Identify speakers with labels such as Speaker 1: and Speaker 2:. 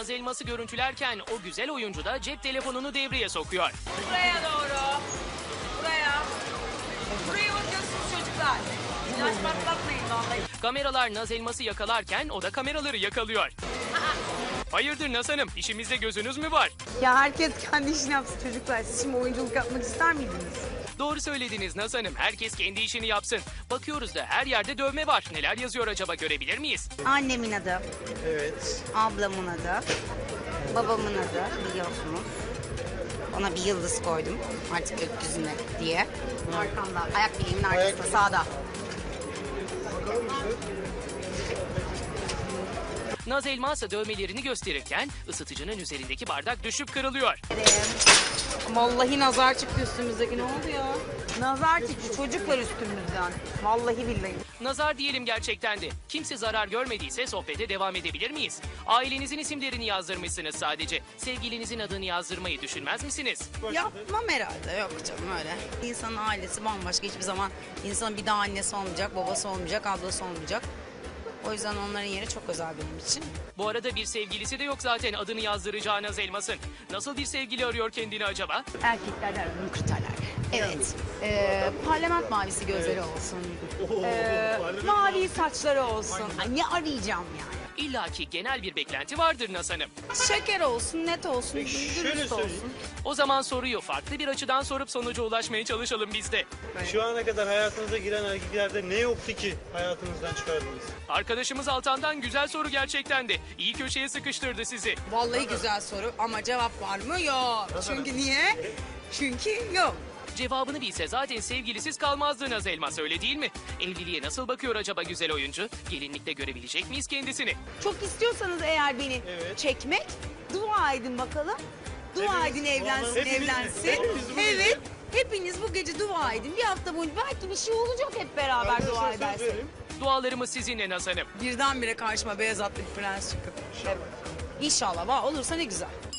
Speaker 1: Naz Elmas'ı görüntülerken o güzel oyuncu da cep telefonunu devreye sokuyor.
Speaker 2: Buraya doğru. Buraya. Buraya bakıyorsunuz çocuklar. İlaç patlatmayın vallahi.
Speaker 1: Kameralar Naz Elmas'ı yakalarken o da kameraları yakalıyor. Hayırdır Naz Hanım, işimizde gözünüz mü var?
Speaker 3: Ya herkes kendi işini yapsın çocuklar. Siz şimdi oyunculuk yapmak ister miydiniz?
Speaker 1: Doğru söylediniz Naz Hanım, herkes kendi işini yapsın. Bakıyoruz da her yerde dövme var. Neler yazıyor acaba, görebilir miyiz?
Speaker 3: Annemin adı,
Speaker 4: Evet.
Speaker 3: ablamın adı, babamın adı biliyorsunuz. Ona bir yıldız koydum artık gökyüzüne diye. Arkamda, ayak bileğimin arkasında, sağda.
Speaker 1: Naz Elmas dövmelerini gösterirken ısıtıcının üzerindeki bardak düşüp kırılıyor.
Speaker 3: Vallahi nazar çıktı üstümüzdeki, ne oldu ya? Nazar çıktı çocuklar üstümüzden. Vallahi billahi.
Speaker 1: Nazar diyelim gerçekten de. Kimse zarar görmediyse sohbete devam edebilir miyiz? Ailenizin isimlerini yazdırmışsınız sadece. Sevgilinizin adını yazdırmayı düşünmez misiniz?
Speaker 3: Yapmam herhalde, yok canım öyle. İnsanın ailesi bambaşka, hiçbir zaman insanın bir daha annesi olmayacak, babası olmayacak, ablası olmayacak. O yüzden onların yeri çok özel benim için.
Speaker 1: Bu arada bir sevgilisi de yok zaten adını yazdıracağı Naz Elmas'ın. Nasıl bir sevgili arıyor kendini acaba?
Speaker 3: Erkeklerden aradığım kriterler. Evet. Parlament mavisi gözleri olsun. Mavi saçları olsun. Ay, ne arayacağım yani?
Speaker 1: İlla ki genel bir beklenti vardır Naz Hanım.
Speaker 3: Şeker olsun, net olsun,
Speaker 4: Peki, şöyle
Speaker 3: dürüst
Speaker 4: söyleyeyim.
Speaker 3: olsun.
Speaker 1: O zaman soruyu farklı bir açıdan sorup sonuca ulaşmaya çalışalım biz de.
Speaker 4: Şu ana kadar hayatınıza giren erkeklerde ne yoktu ki hayatınızdan çıkardınız?
Speaker 1: Arkadaşımız Altan'dan güzel soru gerçekten de. İyi köşeye sıkıştırdı sizi.
Speaker 3: Vallahi güzel soru ama cevap var mı? Yok. Çünkü niye? Çünkü yok.
Speaker 1: Cevabını bilse zaten sevgilisiz kalmazdı Naz Elmas, öyle değil mi? Evliliğe nasıl bakıyor acaba güzel oyuncu? Gelinlikte görebilecek miyiz kendisini?
Speaker 3: Çok istiyorsanız eğer beni
Speaker 4: Evet.
Speaker 3: çekmek, dua edin bakalım. Dua
Speaker 4: Hepimiz,
Speaker 3: edin evlensin,
Speaker 4: hepimiz mi?
Speaker 3: evlensin.
Speaker 4: Hepimiz bu gece.
Speaker 3: Evet. Hepiniz bu gece dua edin. Bir hafta boyunca belki bir şey olacak hep beraber
Speaker 4: Ben de
Speaker 3: dua
Speaker 4: söz
Speaker 3: edersek.
Speaker 4: vereyim.
Speaker 1: Dualarımız sizinle Naz Hanım.
Speaker 3: Birdenbire karşıma beyaz atlı bir prens çıkıp. İnşallah olursa ne güzel.